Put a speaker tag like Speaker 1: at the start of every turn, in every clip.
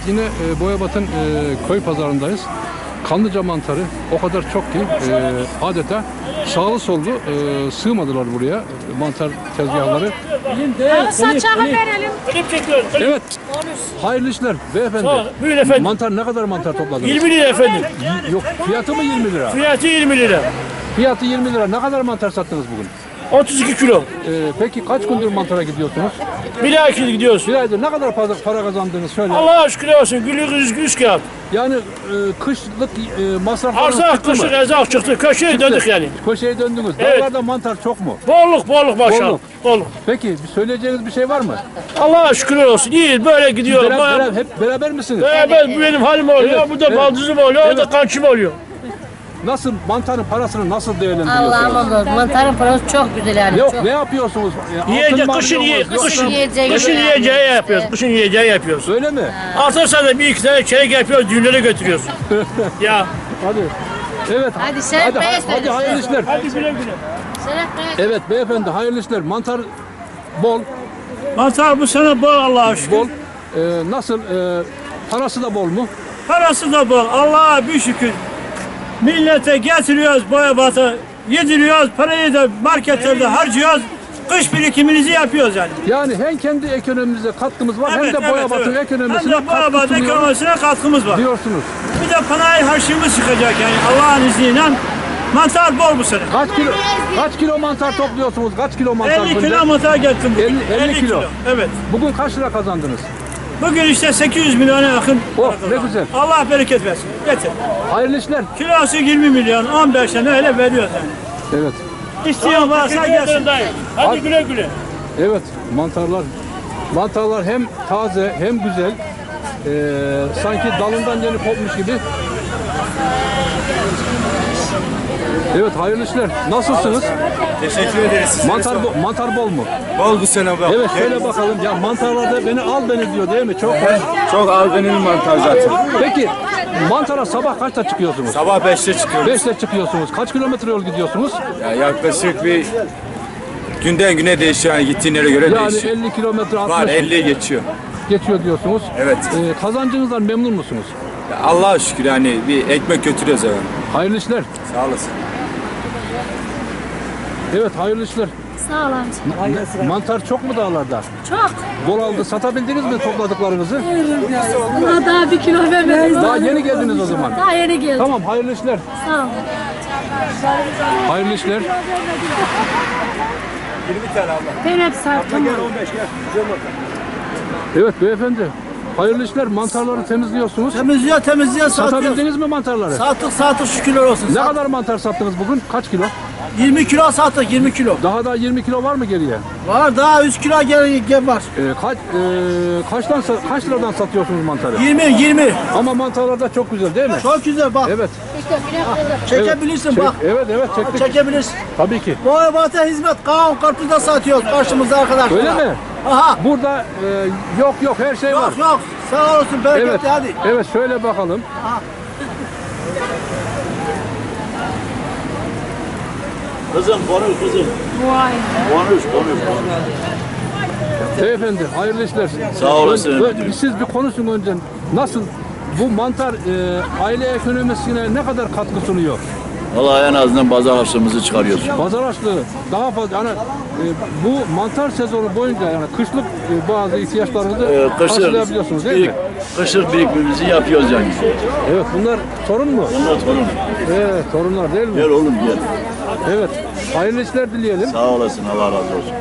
Speaker 1: yine Boyabat'ın köy pazarındayız. Kanlıca mantarı o kadar çok ki adeta sağlı sollu sığmadılar buraya mantar tezgahları.
Speaker 2: Saçağı verelim.
Speaker 1: Evet. Hayırlı işler beyefendi.
Speaker 3: Buyurun efendim.
Speaker 1: Mantar ne kadar mantar topladınız?
Speaker 3: 20 lira efendim.
Speaker 1: Yok, fiyatı mı 20 lira?
Speaker 3: Fiyatı 20 lira.
Speaker 1: Fiyatı 20 lira. Ne kadar mantar sattınız bugün?
Speaker 3: 32 kilo.
Speaker 1: Peki kaç gündür mantara gidiyorsunuz?
Speaker 3: Bir aydır gidiyoruz.
Speaker 1: Bir aydır ne kadar para kazandınız söyle.
Speaker 3: Allah'a şükür olsun. Gülü yüz kağıt.
Speaker 1: Yani kışlık masraflarınız
Speaker 3: Arzak,
Speaker 1: çıktı mı?
Speaker 3: kışlık erzak çıktı. Köşeye döndük yani.
Speaker 1: Köşeye döndünüz.
Speaker 3: Evet.
Speaker 1: Dağlarda mantar çok mu?
Speaker 3: Bolluk maşallah. Bolluk.
Speaker 1: Peki bir söyleyeceğiniz bir şey var mı?
Speaker 3: Allah'a şükür olsun. İyi böyle gidiyor.
Speaker 1: Hep beraber misiniz?
Speaker 3: Beraber bu benim halim oluyor.
Speaker 1: Evet,
Speaker 3: Bu da
Speaker 1: evet.
Speaker 3: baldızım oluyor. O da
Speaker 1: Evet.
Speaker 3: kançım oluyor.
Speaker 1: Nasıl mantarın parasını nasıl değerlendiriyorsunuz?
Speaker 2: Allah'ım mantarın parası çok güzel yani.
Speaker 1: Yok
Speaker 2: çok.
Speaker 1: ne yapıyorsunuz?
Speaker 3: Yiyecek,
Speaker 1: Altın
Speaker 3: kışın
Speaker 1: mı alıyorsunuz?
Speaker 3: kışın
Speaker 2: yiyeceği
Speaker 3: kışın
Speaker 2: yani.
Speaker 3: yiyeceği yapıyoruz. Kışın yiyeceği yapıyoruz.
Speaker 1: Öyle mi?
Speaker 3: Artarsa da bir iki tane çeyrek yapıyoruz. Düğünlere götürüyoruz. Ya.
Speaker 1: Hadi. Evet.
Speaker 2: Hadi sen
Speaker 1: hadi hayırlı işler.
Speaker 3: Hadi güle güle.
Speaker 1: Evet beyefendi hayırlı işler. Mantar bol.
Speaker 3: Mantar bu sene bol Allah'a şükür.
Speaker 1: Bol. Nasıl? Parası da bol mu?
Speaker 3: Parası da bol. Allah'a bir şükür. Millete getiriyoruz Boyabat'a. Yediriyoruz. Parayı da marketlerde harcıyoruz. Kış birikiminizi yapıyoruz yani.
Speaker 1: Yani hem kendi ekonomimize katkımız var hem de Boyabat'ın ekonomisine
Speaker 3: Hem de Boyabat
Speaker 1: katkı sunuyor
Speaker 3: ekonomisine katkımız var.
Speaker 1: diyorsunuz.
Speaker 3: Bir de panayi harçlığımız çıkacak yani Allah'ın izniyle. Mantar bol bu sene.
Speaker 1: Kaç kilo mantar topluyorsunuz? Kaç kilo mantar
Speaker 3: 50
Speaker 1: günde?
Speaker 3: kilo mantar getirdim bugün.
Speaker 1: 50 kilo.
Speaker 3: Evet.
Speaker 1: Bugün kaç lira kazandınız?
Speaker 3: Bugün işte 800 milyona yakın.
Speaker 1: Oh
Speaker 3: para
Speaker 1: ne
Speaker 3: kazandık.
Speaker 1: güzel.
Speaker 3: Allah bereket versin. Getir.
Speaker 1: Hayırlı işler.
Speaker 3: Kilosu 20 milyon, 15 tane öyle veriyoruz yani.
Speaker 1: Evet.
Speaker 3: İsteyen varsa gelsin. Hadi güle güle.
Speaker 1: Evet mantarlar hem taze hem güzel. Sanki dalından yeni kopmuş gibi. Evet hayırlı işler. Nasılsınız?
Speaker 4: Teşekkür ederiz.
Speaker 1: Mantar bol mu?
Speaker 4: Bol bu sene bak.
Speaker 1: Evet şöyle bakalım. Ya mantarlarda beni al beni diyor değil mi? Çok hoş.
Speaker 4: Çok albenili mantar zaten.
Speaker 1: Peki mantara sabah kaçta çıkıyorsunuz?
Speaker 4: Sabah 5'te çıkıyoruz.
Speaker 1: 5'te çıkıyorsunuz. Kaç kilometre yol gidiyorsunuz?
Speaker 4: Ya yaklaşık bir günden güne değişiyor yani gittiğin yere göre
Speaker 1: Yani
Speaker 4: değişiyor.
Speaker 1: 50 kilometre
Speaker 4: Var
Speaker 1: 60
Speaker 4: 50'ye geçiyor.
Speaker 1: geçiyor diyorsunuz.
Speaker 4: Evet.
Speaker 1: Kazancınızdan memnun musunuz?
Speaker 4: Ya Allah'a şükür yani bir ekmek götürüyoruz eve.
Speaker 1: Hayırlı işler.
Speaker 4: Sağ olasın.
Speaker 1: Evet hayırlı işler.
Speaker 2: Sağ ol amca.
Speaker 1: Mantar çok mu dağlarda?
Speaker 2: Çok.
Speaker 1: Bol aldı. Satabildiniz mi topladıklarınızı?
Speaker 2: Buna daha 1 kilo vermemiz
Speaker 1: Daha yeni geldiniz o zaman.
Speaker 2: Daha yeni geldi.
Speaker 1: Tamam hayırlı işler.
Speaker 2: Sağ ol.
Speaker 1: Hayırlı işler.
Speaker 4: 20 tane Allah.
Speaker 2: Ben hep sardım.
Speaker 4: 15 gel.
Speaker 1: Evet beyefendi. Hayırlı işler. Mantarları temizliyorsunuz.
Speaker 3: Temizliyor satıyoruz.
Speaker 1: Satabildiniz mi mantarları?
Speaker 3: Sattık şükürler olsun.
Speaker 1: Ne kadar mantar sattınız bugün? Kaç kilo?
Speaker 3: 20 kilo sattık 20 kilo.
Speaker 1: Daha da 20 kilo var mı geriye?
Speaker 3: Var daha 100 kilo gel var.
Speaker 1: Kaç liradan satıyorsunuz mantarı?
Speaker 3: 20.
Speaker 1: Ama mantarlar da çok güzel değil mi?
Speaker 3: Çok güzel bak.
Speaker 1: Evet.
Speaker 3: Çekebilirsin bak.
Speaker 1: Evet çektik.
Speaker 3: Çekebilirsin.
Speaker 1: Tabii ki.
Speaker 3: Boyabat'a hizmet kavun karpuzda satıyoruz karşımızda arkadaşlar.
Speaker 1: Öyle mi?
Speaker 3: Aha.
Speaker 1: Burada yok her şey var.
Speaker 3: Yok. Sağ olsun bereketli
Speaker 1: Evet.
Speaker 3: hadi.
Speaker 1: Evet şöyle bakalım.
Speaker 3: Kızım konuş kızım.
Speaker 2: Vay.
Speaker 3: Konuş.
Speaker 1: Beyefendi hayırlı işler.
Speaker 3: Sağ olasın.
Speaker 1: Siz bir konuşun önce. Nasıl bu mantar aile ekonomisine ne kadar katkı sunuyor?
Speaker 5: Vallahi en azından pazar harçlığımızı çıkarıyoruz.
Speaker 1: Pazar açlığı daha fazla. Yani bu mantar sezonu boyunca yani kışlık bazı ihtiyaçlarınızı karşılayabiliyorsunuz değil mi?
Speaker 5: Kışlık birikimimizi yapıyoruz yani.
Speaker 1: Evet bunlar torun mu?
Speaker 5: Bunlar torun.
Speaker 1: Evet torunlar değil mi?
Speaker 5: Gel oğlum gel.
Speaker 1: Evet. Hayırlı işler dileyelim.
Speaker 5: Sağ olasın, Allah razı olsun.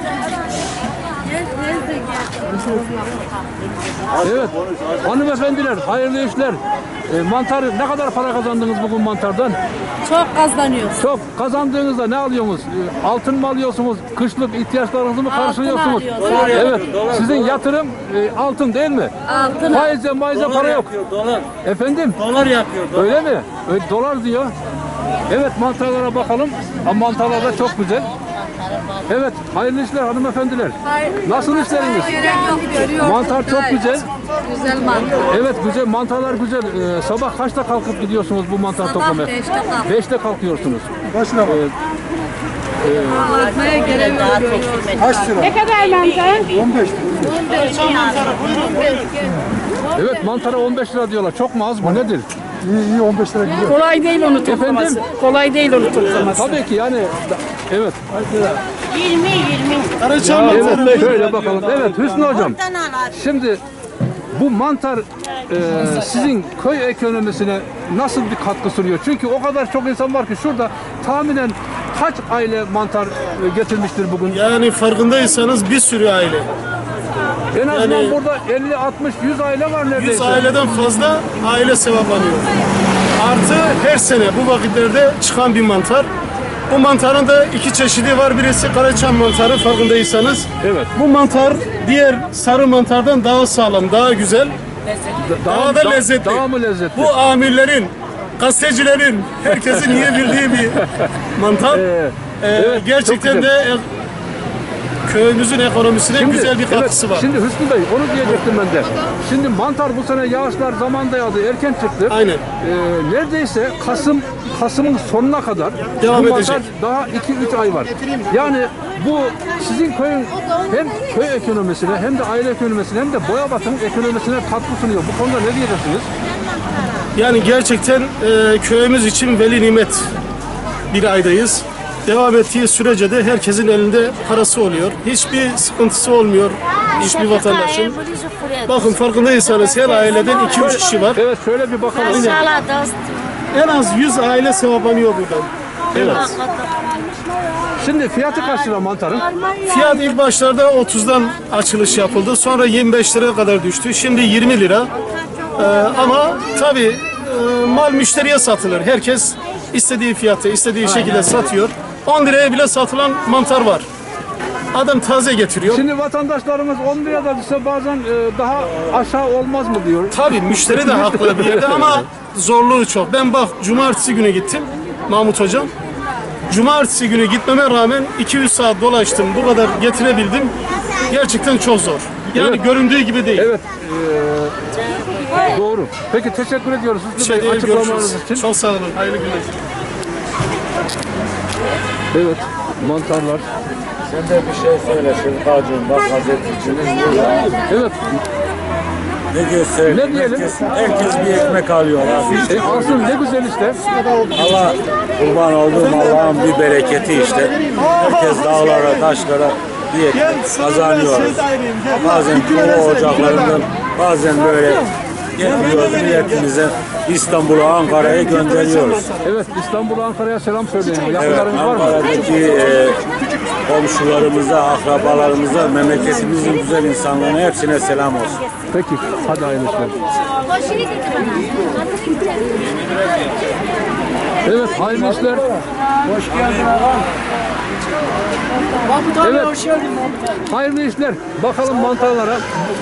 Speaker 1: Evet. Hanımefendiler hayırlı işler. Mantarı ne kadar para kazandınız bugün mantardan?
Speaker 2: Çok kazanıyoruz.
Speaker 1: Çok kazandığınızda ne alıyorsunuz? Altın mı alıyorsunuz? Kışlık ihtiyaçlarınızı mı karşılıyorsunuz?
Speaker 2: alıyoruz.
Speaker 1: Evet. Sizin yatırım altın değil mi?
Speaker 2: Altın.
Speaker 1: Faize para yok.
Speaker 3: Dolar.
Speaker 1: Efendim?
Speaker 3: Dolar yapıyor.
Speaker 1: Öyle mi? Dolar diyor. Evet mantarlara bakalım. Ama mantarlar da çok güzel. Evet hayırlı işler hanımefendiler. Nasıl işleriniz? Mantar çok güzel.
Speaker 2: Güzel mantar.
Speaker 1: Evet güzel mantarlar güzel. Sabah kaçta kalkıp gidiyorsunuz bu mantar toplamaya?
Speaker 2: 5'te kalk.
Speaker 1: 5'te kalkıyorsunuz.
Speaker 4: Kaç lira?
Speaker 2: Almaya gelemiyor.
Speaker 4: Kaç lira?
Speaker 2: Ne kadar mantar?
Speaker 4: 15 lira.
Speaker 2: 15 mantar.
Speaker 1: Evet, mantara 15 lira diyorlar. Çok mu az mı? Nedir?
Speaker 6: İyi 15 lira gidiyor.
Speaker 7: Kolay değil onu toplaması.
Speaker 1: Efendim?
Speaker 7: Kolay değil onu toplaması.
Speaker 1: Tabii ki yani evet.
Speaker 7: 20.
Speaker 1: Evet, şöyle bakalım. Evet, Hüsnü hocam. Şimdi bu mantar sizin köy ekonomisine nasıl bir katkı sunuyor? Çünkü o kadar çok insan var ki şurada tahminen kaç aile mantar getirmiştir bugün?
Speaker 6: Yani farkındaysanız bir sürü aile.
Speaker 1: En azından
Speaker 6: yani-
Speaker 1: burada 50, 60, 100 aile var
Speaker 6: 100
Speaker 1: neredeyse.
Speaker 6: aileden fazla aile sevaplanıyor. Artı her sene bu vakitlerde çıkan bir mantar. Bu mantarın da iki çeşidi var. Birisi Karaçam mantarı farkındaysanız.
Speaker 1: Evet.
Speaker 6: Bu mantar diğer sarı mantardan daha sağlam, daha güzel. Daha da lezzetli.
Speaker 1: Daha mı lezzetli?
Speaker 6: Bu amirlerin, gazetecilerin, herkesin iyi bildiği bir mantar.
Speaker 1: Evet,
Speaker 6: Gerçekten
Speaker 1: çok
Speaker 6: de köyümüzün ekonomisine güzel bir katkısı var.
Speaker 1: Şimdi Hüsnü Bey onu diyecektim ben de. Şimdi mantar bu sene yağışlar zamanda yağdı, erken çıktı.
Speaker 6: Aynen.
Speaker 1: Neredeyse Kasım'ın sonuna kadar
Speaker 6: Devam
Speaker 1: bu mantar
Speaker 6: edecek.
Speaker 1: daha 2-3 ay var. Yani bu sizin köyün hem köy ekonomisine hem de aile ekonomisine hem de Boyabat'ın ekonomisine katkı sunuyor. Bu konuda ne diyeceksiniz?
Speaker 6: Yani gerçekten köyümüz için veli nimet bir aydayız. Devam ettiği sürece de herkesin elinde parası oluyor. Hiçbir sıkıntısı olmuyor hiçbir vatandaşın. Bakın farkındaysanız her aileden 2-3 kişi var.
Speaker 1: Evet şöyle bir bakalım.
Speaker 6: En az 100 aile sevaplanıyor buradan.
Speaker 1: Evet. Şimdi fiyatı kaç lira mantarın?
Speaker 6: Fiyat ilk başlarda 30'dan açılış yapıldı. Sonra 25 liraya kadar düştü. Şimdi 20 lira. Ama tabii mal müşteriye satılır. Herkes istediği fiyatı, istediği şekilde satıyor. 10 liraya bile satılan mantar var. Adam taze getiriyor.
Speaker 1: Şimdi vatandaşlarımız 10 lira da düşse bazen daha aşağı olmaz mı diyor.
Speaker 6: Tabii müşteri de haklı bir yerde ama zorluğu çok. Ben bak cumartesi günü gittim Mahmut Hocam. Cumartesi günü gitmeme rağmen 200 saat dolaştım. Bu kadar getirebildim. Gerçekten çok zor. Yani
Speaker 1: Evet.
Speaker 6: göründüğü gibi değil.
Speaker 1: Evet. Doğru. Peki teşekkür ediyoruz Hüsnü
Speaker 6: Şey
Speaker 1: Bey
Speaker 6: değil,
Speaker 1: açıklamalarınız
Speaker 6: görüşürüz.
Speaker 1: için.
Speaker 6: Çok sağ olun. Hayırlı günler.
Speaker 1: Evet. Mantarlar.
Speaker 8: Sen de bir şey söyle Şırkacığım, bak gazetecimiz burada.
Speaker 1: Evet.
Speaker 8: Ne gösterelim?
Speaker 1: Ne diyelim?
Speaker 8: Herkes bir ekmek alıyor abi.
Speaker 1: Alsın ne güzel işte.
Speaker 8: Allah kurban olduğum Allah'ın bir bereketi işte. Herkes dağlara, taşlara bir ekmek kazanıyor. Bazen kova ocaklarından, bazen böyle getiriyoruz milletimize İstanbul'a, Ankara'ya gönderiyoruz.
Speaker 1: Evet İstanbul'a Ankara'ya selam söyleyin.
Speaker 8: Evet,
Speaker 1: Yakınlarınız var mı?
Speaker 8: Ankara'daki komşularımıza, akrabalarımıza, memleketimizin güzel insanlarına hepsine selam olsun.
Speaker 1: Peki. Hadi hayırlı işler. Evet hayırlı işler. Hoş geldin Evet. Hayırlı işler. Bakalım mantarlara.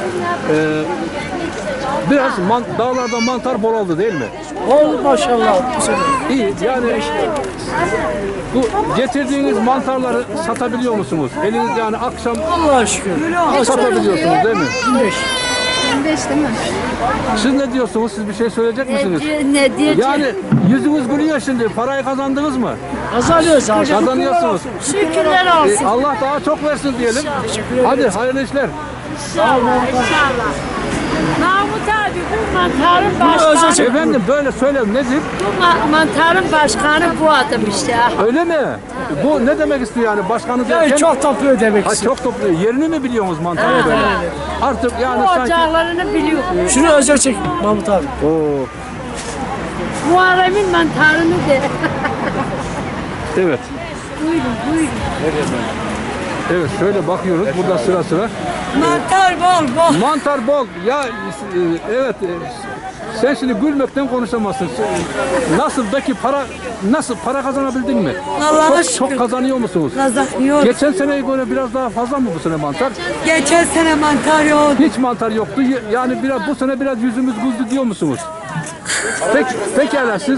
Speaker 1: Biraz dağlarda mantar bol oldu değil mi?
Speaker 7: Oldu maşallah.
Speaker 1: İyi yani bu getirdiğiniz mantarları satabiliyor musunuz? Eliniz yani akşam
Speaker 7: Allah'a şükür.
Speaker 1: satabiliyorsunuz değil mi?
Speaker 7: 25.
Speaker 2: 25 değil mi?
Speaker 1: Siz ne diyorsunuz? Siz bir şey söyleyecek misiniz?
Speaker 2: Ne diyeceğim?
Speaker 1: Yani yüzünüz gülüyor şimdi. Parayı kazandınız mı?
Speaker 7: Kazanıyoruz abi.
Speaker 1: Kazanıyorsunuz.
Speaker 2: Şükürler olsun.
Speaker 1: Allah daha çok versin diyelim. Hadi hayırlı işler.
Speaker 2: İnşallah. Mahmut abi bu mantarın başkanı.
Speaker 1: Efendim böyle söyle nedir?
Speaker 2: Bu mantarın başkanı bu adam işte.
Speaker 1: Öyle mi? Bu ne demek istiyor yani başkanı derken?
Speaker 7: Yani çok topluyor demek
Speaker 1: Ha,
Speaker 7: istiyor.
Speaker 1: çok topluyor. Yerini mi biliyorsunuz mantarı böyle? Artık yani
Speaker 2: Bu
Speaker 1: sanki...
Speaker 2: ocaklarını biliyor.
Speaker 7: Şunu özel çek Mahmut abi.
Speaker 1: Oo,
Speaker 2: Muharrem'in mantarını de.
Speaker 1: evet.
Speaker 2: Buyurun buyurun.
Speaker 1: Evet şöyle bakıyoruz burada sıra sıra.
Speaker 2: Mantar bol bol.
Speaker 1: Mantar bol. Ya evet sen şimdi gülmekten konuşamazsın. Nasıl peki nasıl para kazanabildin mi?
Speaker 2: Allah'a
Speaker 1: Çok kazanıyor musunuz?
Speaker 2: Kazanıyor.
Speaker 1: Geçen seneye göre biraz daha fazla mı bu sene mantar?
Speaker 2: Geçen sene mantar yok.
Speaker 1: Hiç mantar yoktu. Yani biraz bu sene biraz yüzümüz güldü diyor musunuz? Pekala siz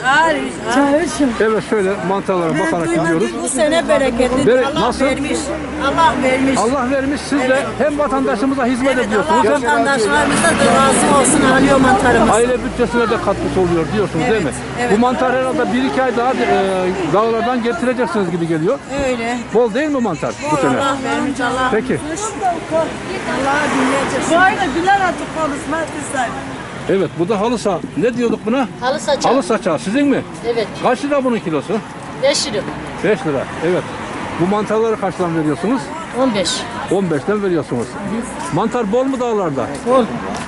Speaker 1: evet şöyle mantarlara bakarak gidiyoruz.
Speaker 9: Bu sene bereketli. Allah
Speaker 1: Nasıl?
Speaker 9: vermiş. Allah vermiş.
Speaker 1: Allah vermiş siz de hem vatandaşımıza hizmet ediyorsunuz hem
Speaker 9: Vatandaşlarımıza da razı olsun alıyor mantarımız.
Speaker 1: aile bütçesine de katkısı oluyor diyorsunuz değil mi?
Speaker 9: evet.
Speaker 1: Bu mantar herhalde 1-2 ay daha dağlardan getireceksiniz gibi geliyor.
Speaker 9: Öyle.
Speaker 1: Bol değil mi mantar bu sene?
Speaker 9: Allah vermiş Allah.
Speaker 1: Peki.
Speaker 9: Allah'a dinleyeceğiz. Bu ayda güler atıp konuşmak istedim.
Speaker 1: Evet bu da halı saha. Ne diyorduk buna?
Speaker 2: Halı saçı.
Speaker 1: Halı saçağı sizin mi?
Speaker 2: Evet.
Speaker 1: Kaç lira bunun kilosu?
Speaker 2: 5 lira.
Speaker 1: 5 lira. Evet. Bu mantarları kaçtan veriyorsunuz?
Speaker 2: 15.
Speaker 1: 15'ten veriyorsunuz. Mantar bol mu dağlarda?
Speaker 7: Bol.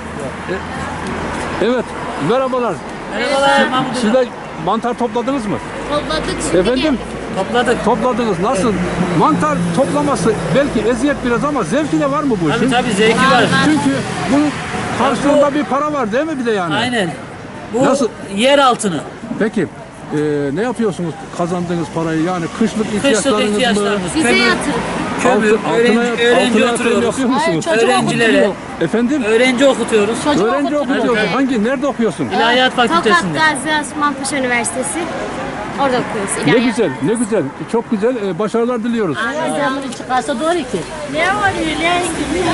Speaker 1: Evet. Merhabalar. Siz de mantar topladınız mı?
Speaker 2: Topladık şimdi.
Speaker 1: Efendim? Topladınız. Nasıl? Mantar toplaması belki eziyet biraz ama zevki de var mı bu işin?
Speaker 3: Tabii zevki var.
Speaker 1: Çünkü bunun karşılığında bir para var değil mi bir de yani?
Speaker 3: Aynen. Bu
Speaker 1: Nasıl?
Speaker 3: yer altını.
Speaker 1: Peki ne yapıyorsunuz kazandığınız parayı yani kışlık ihtiyaçlarınız mı?
Speaker 2: Bize yatırın.
Speaker 3: Kömür,
Speaker 1: Altına
Speaker 3: öğrenci
Speaker 1: yatırım
Speaker 3: oturuyoruz.
Speaker 1: yapıyor musunuz?
Speaker 3: Öğrencilere,
Speaker 1: Efendim?
Speaker 3: öğrenci okutuyoruz.
Speaker 1: Öğrenci okuyorsun. Hangi? Nerede okuyorsun?
Speaker 3: İlahiyat
Speaker 10: Tokat
Speaker 3: Fakültesi'nde.
Speaker 10: Gazi Osman Paşa Üniversitesi. Orada okuyoruz.
Speaker 1: Ne
Speaker 10: İlahiyat.
Speaker 1: güzel, ne güzel. Çok güzel. Başarılar diliyoruz.
Speaker 2: Zamını çıkarsa doğru ki.
Speaker 9: Ne var öyle?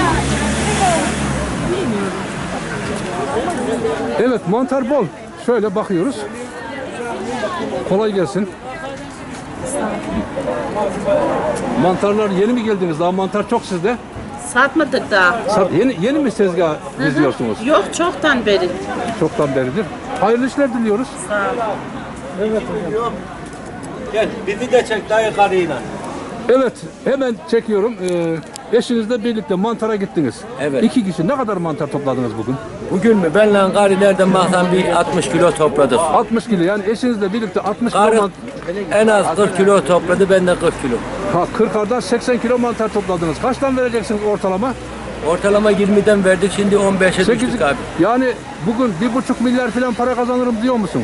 Speaker 1: Evet, mantar bol. Şöyle bakıyoruz. Kolay gelsin. Mantarlar yeni mi geldiniz? Daha mantar çok sizde.
Speaker 2: Satmadık daha.
Speaker 1: Yeni mi tezgah geziyorsunuz?
Speaker 2: Yok çoktan beri.
Speaker 1: Çoktan beridir. Hayırlı işler diliyoruz.
Speaker 3: Gel bizi de çek dayı karıyla.
Speaker 1: Evet, hemen çekiyorum. Eşinizle birlikte mantara gittiniz.
Speaker 11: Evet.
Speaker 1: 2 kişi. Ne kadar mantar topladınız bugün?
Speaker 11: Bugün mü? Benle karı nereden baksan bir 60 kilo topladık.
Speaker 1: 60 kilo. Yani eşinizle birlikte 60 kilo
Speaker 11: Karı
Speaker 1: mantar.
Speaker 11: en az 40 kilo topladı, ben de 40 kilo.
Speaker 1: 40'ardan 80 kilo mantar topladınız. Kaçtan vereceksiniz ortalama?
Speaker 11: Ortalama 20'den verdik, şimdi 15'e
Speaker 1: 8.
Speaker 11: düştük abi.
Speaker 1: Yani bugün 1,5 milyar falan para kazanırım diyor musun?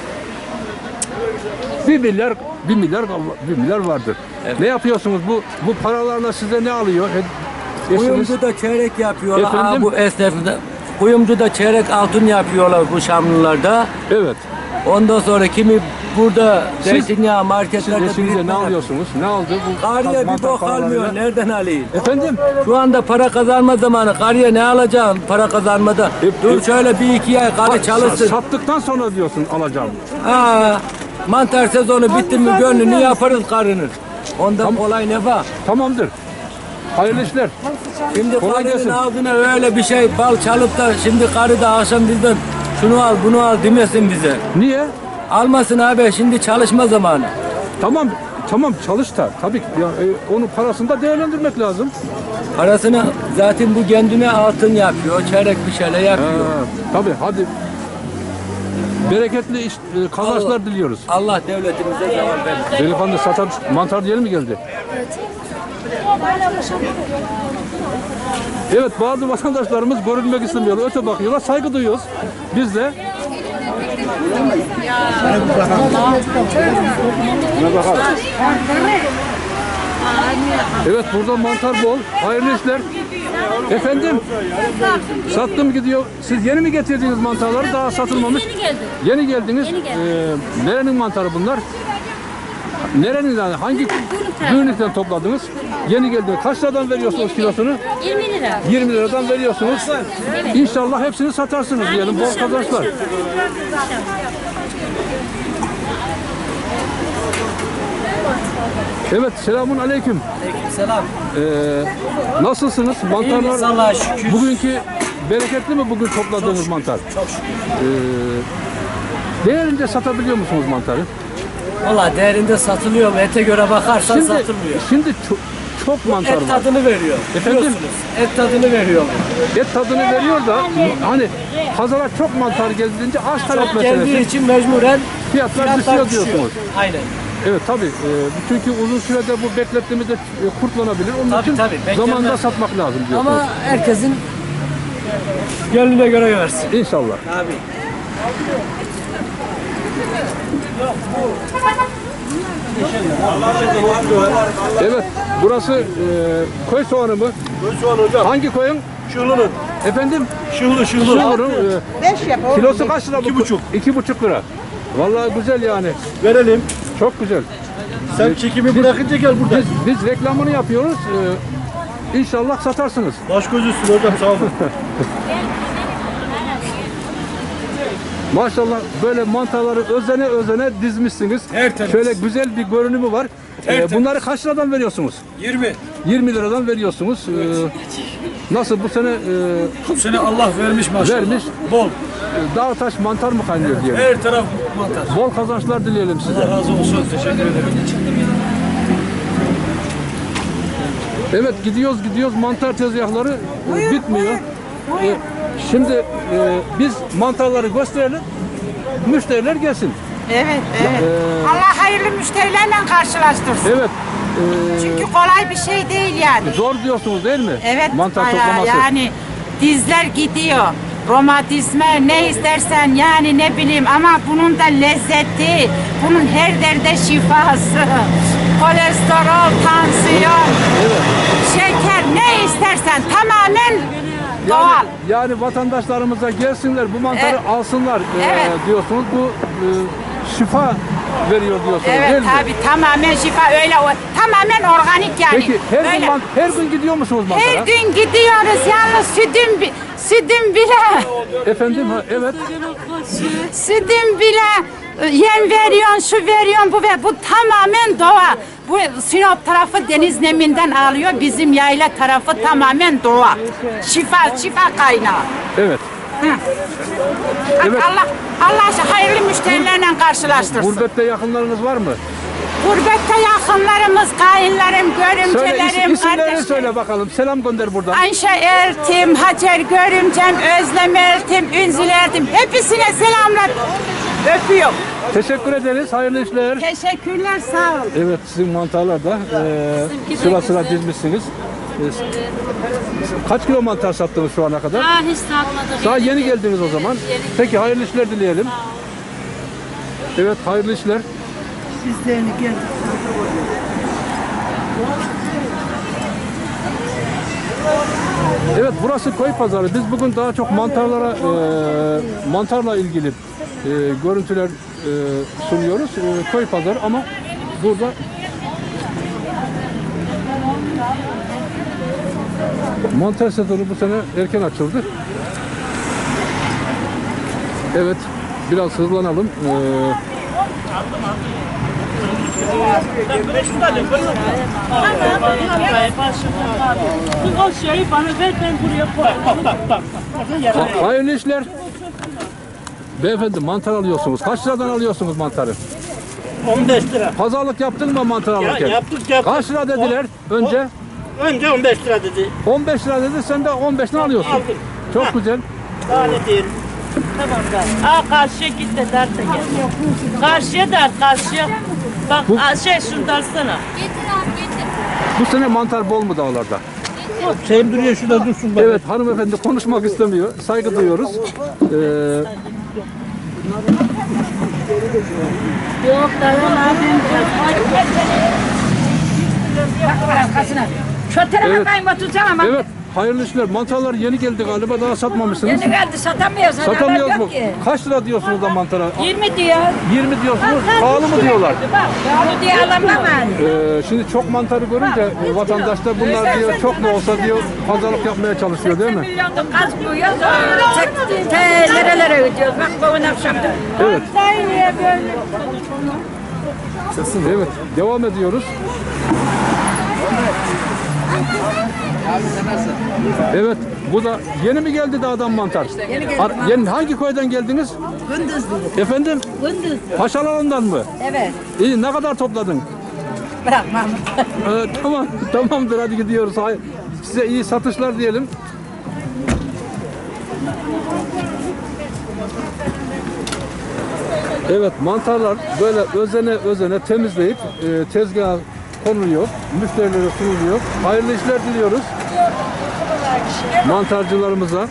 Speaker 1: 1 milyar vardır.
Speaker 11: Evet.
Speaker 1: Ne yapıyorsunuz? Bu paralarla size ne alıyor? Eşiniz?
Speaker 11: Kuyumcu da çeyrek yapıyorlar.
Speaker 1: Efendim?
Speaker 11: Bu esnafında. Kuyumcu da çeyrek altın yapıyorlar bu Şamlılarda.
Speaker 1: Evet.
Speaker 11: Ondan sonra kimi burada zeytinyağı
Speaker 1: Siz
Speaker 11: marketlerde
Speaker 1: eşinize
Speaker 11: birikme
Speaker 1: ne
Speaker 11: yapıyor.
Speaker 1: alıyorsunuz? Ne aldı bu?
Speaker 11: Karıya bir
Speaker 1: mantar
Speaker 11: bok
Speaker 1: paralarıyla?
Speaker 11: almıyor. Nereden alayım?
Speaker 1: Efendim?
Speaker 11: Şu anda para kazanma zamanı. Karıya ne alacağım para kazanmada? Dur şöyle bir iki ay karı çalışsın.
Speaker 1: Sattıktan sonra diyorsun alacağım.
Speaker 11: Ha, mantar sezonu bitti mi gönlünü yaparız karının. Ondan kolay ne var?
Speaker 1: Tamamdır. Hayırlı işler.
Speaker 11: Şimdi
Speaker 1: Kolay
Speaker 11: karının
Speaker 1: gelsin.
Speaker 11: ağzına öyle bir şey bal çalıp da şimdi karı da akşam bizden şunu al bunu al demesin bize.
Speaker 1: Niye?
Speaker 11: Almasın abi, şimdi çalışma zamanı.
Speaker 1: Tamam çalış da tabii ki ya, onun parasını da değerlendirmek lazım.
Speaker 11: Parasını zaten bu kendine altın yapıyor, çeyrek bir şeyler yapıyor.
Speaker 1: Tabii hadi. Bereketli kazançlar diliyoruz.
Speaker 11: Allah devletimize zeval versin.
Speaker 1: Delikanlı satan mantar diyelim mi geldi? Evet bazı vatandaşlarımız görülmek istemiyorlar. Öte bakıyorlar. Saygı duyuyoruz. Biz de evet burada mantar bol. Hayırlı işler. Efendim? Sattım gidiyor. Siz yeni mi getirdiniz mantarları? Daha satılmamış.
Speaker 10: Yeni geldim.
Speaker 1: Yeni geldiniz.
Speaker 10: Yeni geldim.
Speaker 1: Nerenin mantarı bunlar? Nerenin yani? Hangi Gürnük'ten topladınız? Yeni geldiniz. Kaç liradan veriyorsunuz kilosunu?
Speaker 10: 20 lira.
Speaker 1: 20 liradan veriyorsunuz. İnşallah hepsini satarsınız diyelim. Bol kazançlar. Evet, selamun aleyküm.
Speaker 11: Selam.
Speaker 1: Nasılsınız? Mantarlar
Speaker 11: Allah'a şükür.
Speaker 1: bugünkü bereketli mi bugün topladığınız mantar?
Speaker 11: Çok şükür.
Speaker 1: Değerince satabiliyor musunuz mantarı?
Speaker 11: Valla değerinde satılıyor mu? Ete göre bakarsan satılmıyor.
Speaker 1: Şimdi çok mantar
Speaker 11: Et
Speaker 1: var.
Speaker 11: tadını veriyor.
Speaker 1: Efendim?
Speaker 11: Biliyorsunuz. Et tadını veriyor.
Speaker 1: Et tadını veriyor da hani pazara çok mantar geldiğince arz talep
Speaker 11: Çok geldiği
Speaker 1: meselesi.
Speaker 11: için mecburen
Speaker 1: Fiyatlar düşüyor diyorsunuz.
Speaker 11: Aynen.
Speaker 1: Evet tabii. Çünkü uzun sürede bu beklettiğimizde kurtlanabilir. Onun
Speaker 11: Tabii,
Speaker 1: için
Speaker 11: tabii, beklemez.
Speaker 1: zamanında satmak lazım diyorsunuz.
Speaker 11: Ama herkesin gönlüne göre versin.
Speaker 1: İnşallah.
Speaker 11: Abi.
Speaker 1: Evet. Burası köy soğanı mı?
Speaker 6: Köy soğanı hocam.
Speaker 1: Hangi koyun?
Speaker 6: Şunun.
Speaker 1: Efendim?
Speaker 3: Şuhlu.
Speaker 1: Şuhlu.
Speaker 9: 5 yap oğlum.
Speaker 1: Kilosu kaç lira bu?
Speaker 3: 2,5.
Speaker 1: 2,5 lira. Vallahi güzel yani.
Speaker 3: Verelim.
Speaker 1: Çok güzel.
Speaker 3: Sen çekimi bırakınca gel burada.
Speaker 1: Biz reklamını yapıyoruz. İnşallah satarsınız.
Speaker 3: Baş göz üstüne hocam sağ olun.
Speaker 1: Maşallah böyle mantarları özene dizmişsiniz.
Speaker 4: Tertemiz.
Speaker 1: Şöyle güzel bir görünümü var. Bunları kaç liradan veriyorsunuz?
Speaker 4: 20.
Speaker 1: 20 liradan veriyorsunuz. Nasıl bu sene
Speaker 3: Bu sene Allah vermiş maşallah.
Speaker 1: vermiş?
Speaker 3: Bol.
Speaker 1: Dağ taş mantar mı kaynıyor diyelim.
Speaker 3: Her taraf mantar.
Speaker 1: Bol kazançlar dileyelim size.
Speaker 3: Allah razı olsun. Teşekkür ederim.
Speaker 1: Evet gidiyoruz mantar tezgahları bitmiyor. Şimdi biz mantarları gösterelim. Müşteriler gelsin.
Speaker 9: Evet. Allah hayırlı müşterilerle karşılaştırsın.
Speaker 1: Evet.
Speaker 9: Çünkü kolay bir şey değil yani.
Speaker 1: Zor diyorsunuz değil mi?
Speaker 9: Evet.
Speaker 1: Mantar
Speaker 9: bayağı
Speaker 1: toplaması.
Speaker 9: yani dizler gidiyor. Romatizma ne istersen yani ne bileyim ama bunun da lezzeti, bunun her derde şifası. Kolesterol, tansiyon, şeker ne istersen tamamen doğal.
Speaker 1: Yani vatandaşlarımıza gelsinler bu mantarı
Speaker 9: Evet.
Speaker 1: alsınlar
Speaker 9: Evet.
Speaker 1: diyorsunuz. Bu şifa veriyor diyorsunuz değil
Speaker 9: Evet
Speaker 1: mi?
Speaker 9: tabii tamamen şifa öyle tamamen organik yani.
Speaker 1: Peki
Speaker 9: Böyle.
Speaker 1: her gün gidiyor musunuz mantara?
Speaker 9: Her gün gidiyoruz yalnız sütüm bile
Speaker 1: Efendim evet.
Speaker 9: sütüm bile yem veriyorsun şu veriyorsun bu tamamen doğa. Bu Sinop tarafı deniz neminden alıyor bizim yayla tarafı tamamen doğa. Şifa kaynağı.
Speaker 1: Evet. Evet.
Speaker 9: Allah hayırlı müşterilerle karşılaştırsın.
Speaker 1: Gurbette yakınlarınız var mı?
Speaker 9: Gurbette yakınlarımız, kayınlarım,
Speaker 1: Söyle
Speaker 9: görümcelerim,
Speaker 1: isimlerini
Speaker 9: kardeşlerim.
Speaker 1: söyle bakalım. Selam gönder buradan.
Speaker 9: Ayşe Ertim, Hacer Görümcem, Özlem Ertim, Ünzül Ertim. Hepsine selamlar. Öpüyorum.
Speaker 1: Teşekkür ederiz. Hayırlı işler.
Speaker 9: Teşekkürler, sağ olun.
Speaker 1: Evet sizin mantarlar da sıra dizmişsiniz. Kaç kilo mantar sattınız şu ana kadar?
Speaker 2: Hiç satmadık.
Speaker 1: Daha yeni geldiniz o zaman. Peki hayırlı işler dileyelim. Evet hayırlı işler.
Speaker 9: Sizlerini geldik.
Speaker 1: Evet burası koy pazarı. Biz bugün daha çok mantarla ilgili görüntüler sunuyoruz. Koy pazarı ama burada mantar sezonu bu sene erken açıldı. Evet biraz hızlanalım.
Speaker 2: O şeyi bana ver ben buraya koyayım.
Speaker 1: Hayırlı işler. Beyefendi mantar alıyorsunuz. Kaç liradan alıyorsunuz mantarı?
Speaker 3: 15 lira.
Speaker 1: Pazarlık yaptın mı mantar alırken?
Speaker 3: Yaptık.
Speaker 1: Kaç lira dediler önce?
Speaker 3: Önce 15 lira dedi.
Speaker 1: 15 lira dedi sen de 15'ten alıyorsun.
Speaker 3: Aldım.
Speaker 1: Çok güzel.
Speaker 3: Daha ne diyelim.
Speaker 2: Karşıya git de dert de gel. Karşıya dert karşıya. Bak şunu dersene.
Speaker 1: Bu sene mantar bol mu dağlarda?
Speaker 3: Şeyim duruyor şurada dursun.
Speaker 1: Evet hanımefendi konuşmak istemiyor. Saygı duyuyoruz.
Speaker 2: Yok dayanamadım.
Speaker 9: Şu tarafa
Speaker 1: Evet.
Speaker 9: kayma tutacağım ama.
Speaker 1: Evet hayırlı işler. Mantarlar yeni geldi galiba daha satmamışsınız.
Speaker 9: Yeni geldi satamıyoruz.
Speaker 1: Satamıyoruz mu? Kaç lira diyorsunuz da mantara?
Speaker 9: 20 diyor.
Speaker 1: 20 diyorsunuz. Pahalı mı diyorlar?
Speaker 9: Pahalı diye alamam yani.
Speaker 1: Şimdi çok mantarı görünce vatandaş da bunlar diyor çok mu olsa diyor pazarlık yapmaya çalışıyor değil mi?
Speaker 9: Milyonda gaz koyuyoruz. Nerelere ödüyoruz? Bak bugün akşamda.
Speaker 1: Evet.
Speaker 9: Niye böyle?
Speaker 1: Evet devam ediyoruz. Evet bu da yeni mi geldi dağdan mantar? Yeni geldi. Yeni, hangi köyden geldiniz?
Speaker 9: Gündüzlü.
Speaker 1: Efendim?
Speaker 9: Gündüz.
Speaker 1: Paşalarından mı?
Speaker 9: Evet.
Speaker 1: İyi ne kadar topladın?
Speaker 9: Bırakmam.
Speaker 1: Tamam tamamdır hadi gidiyoruz. Size iyi satışlar diyelim. Evet mantarlar böyle özene temizleyip tezgaha konuluyor. Müşterilere sunuluyor. Hayırlı işler diliyoruz. Mantarcılarımıza.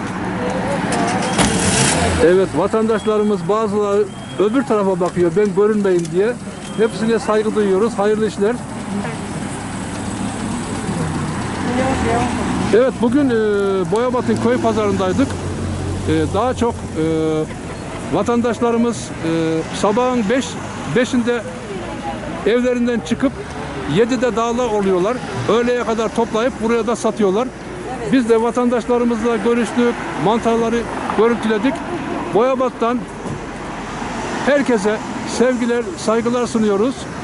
Speaker 1: Evet vatandaşlarımız bazıları öbür tarafa bakıyor ben görünmeyeyim diye. Hepsine saygı duyuyoruz. Hayırlı işler. Evet, bugün Boyabat'ın köy pazarındaydık. Daha çok vatandaşlarımız sabahın 5'inde evlerinden çıkıp 7'de dağda oluyorlar. Öğleye kadar toplayıp buraya da satıyorlar. Biz de vatandaşlarımızla görüştük, mantarları görüntüledik. Boyabat'tan herkese sevgiler, saygılar sunuyoruz.